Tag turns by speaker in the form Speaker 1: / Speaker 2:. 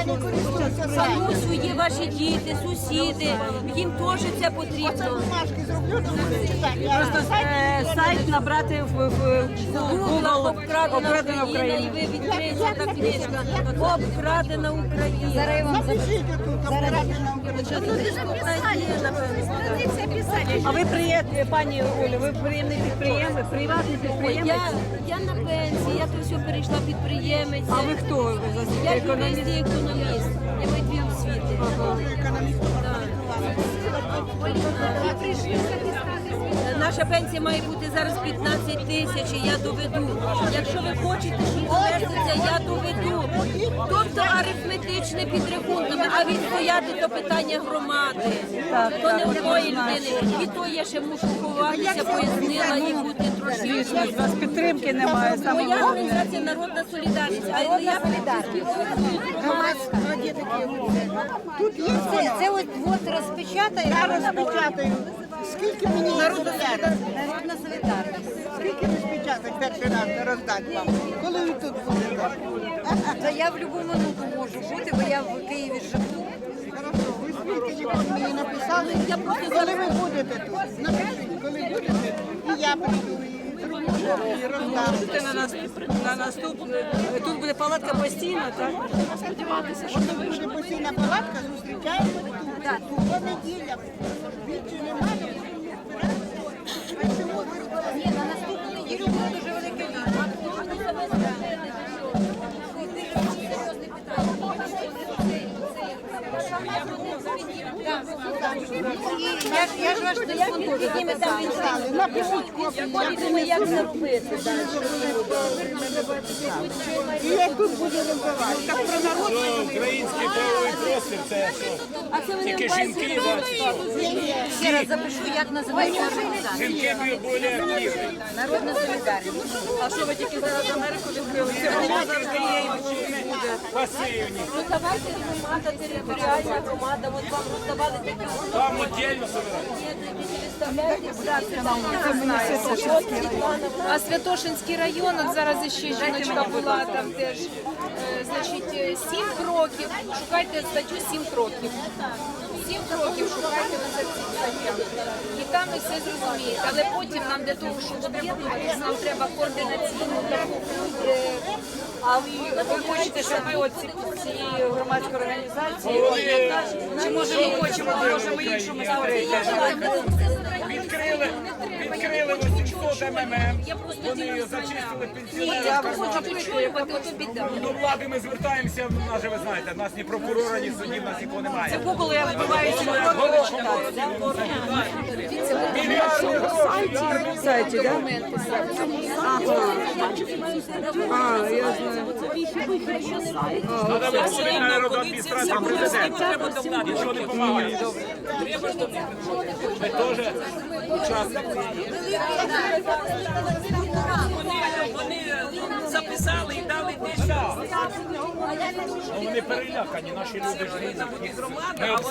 Speaker 1: Бабусю, є ваші діти, сусіди, їм теж це потрібно.
Speaker 2: Просто сайт набрати в Google «Обкрадена Україна».
Speaker 1: І ви відкриєте та книжка «Обкрадена Україна».
Speaker 3: Зараз я вам
Speaker 2: А ви приємні, пані Олю, ви приємний підприємець, приватний підприємець?
Speaker 1: Я на пенсії, я то все перейшла підприємець.
Speaker 2: А ви хто? Ви
Speaker 1: Я
Speaker 2: економіст?
Speaker 1: юрист і економіст. Я маю дві освіти. Наша пенсія має бути зараз 15 тисяч, і я доведу. Якщо ви хочете, щоб повернеться, я доведу. Тобто арифметичне підрахунками, а відстояти то питання громади. То не одної людини. І то я ще мушу ховатися, пояснила і бути трошки.
Speaker 2: У вас підтримки немає. Саме
Speaker 1: Моя
Speaker 2: головне.
Speaker 1: організація «Народна солідарність», а я
Speaker 3: Це от розпечатає.
Speaker 4: Я розпечатаю. Скільки мені народна солідарність?
Speaker 3: Народна солідарність.
Speaker 4: Скільки розпечатати перший раз роздати вам? Коли ви тут будете?
Speaker 3: Та я в будь-яку минуту можу бути, бо я в Києві живу.
Speaker 4: Хорошо, ви скільки ніколи мені написали? Коли ви будете тут? Напишіть, коли будете, і я прийду, і зроблю, і роздам.
Speaker 2: Це на наступну. Тут буде палатка постійна, так? Сподіватися, що
Speaker 4: Це буде постійна палатка, зустрічаємо тут. По неділям. Більше немає.
Speaker 3: Ні, на наступну неділю буде дуже велике відео. Я ж ваш телефон теж записала.
Speaker 4: Напишіть копію.
Speaker 1: як заробити.
Speaker 4: І я тут буду роздавати. Так про народ.
Speaker 5: Український правовий простір це що?
Speaker 1: А це вони
Speaker 5: Тільки жінки бачать.
Speaker 3: Ще раз запишу, як називається організація.
Speaker 5: Жінки більш активні.
Speaker 3: Народна солідарність.
Speaker 2: А що ви тільки зараз Америку відкрили? Це вона завжди є і буде.
Speaker 5: Пасивні.
Speaker 1: Ну давайте громада, територіальна громада, от вам роздавали такі
Speaker 5: Там віддільно собирають.
Speaker 6: А Святошинський район, от зараз ще жіночка була там теж, значить, 7 кроків, шукайте статтю 7 кроків. 7 кроків шукайте на цих статтях. І там ви все зрозумієте. Але потім нам для того, щоб об'єднуватися, нам треба координаційну таку.
Speaker 2: А ви хочете, щоб ви от цієї громадської організації, чи може ми хочемо, можемо іншому створити?
Speaker 5: Відкрили 800 МММ, вони зачистили пенсіонерів.
Speaker 6: Я хочу причулювати, ото біда.
Speaker 5: До влади ми звертаємося, в нас же ви знаєте, в нас ні прокурора, ні суддів, в нас нікого немає.
Speaker 2: В Google я вбиваю ці кроки, читаю, в сайті, так? Ага, я знаю.
Speaker 5: Треба виходити на адміністрацію президента. Нічого не допомагає. Ми теж учасники.
Speaker 7: Вони записали і дали те, що
Speaker 5: Вони перелякані, наші люди ж. Ми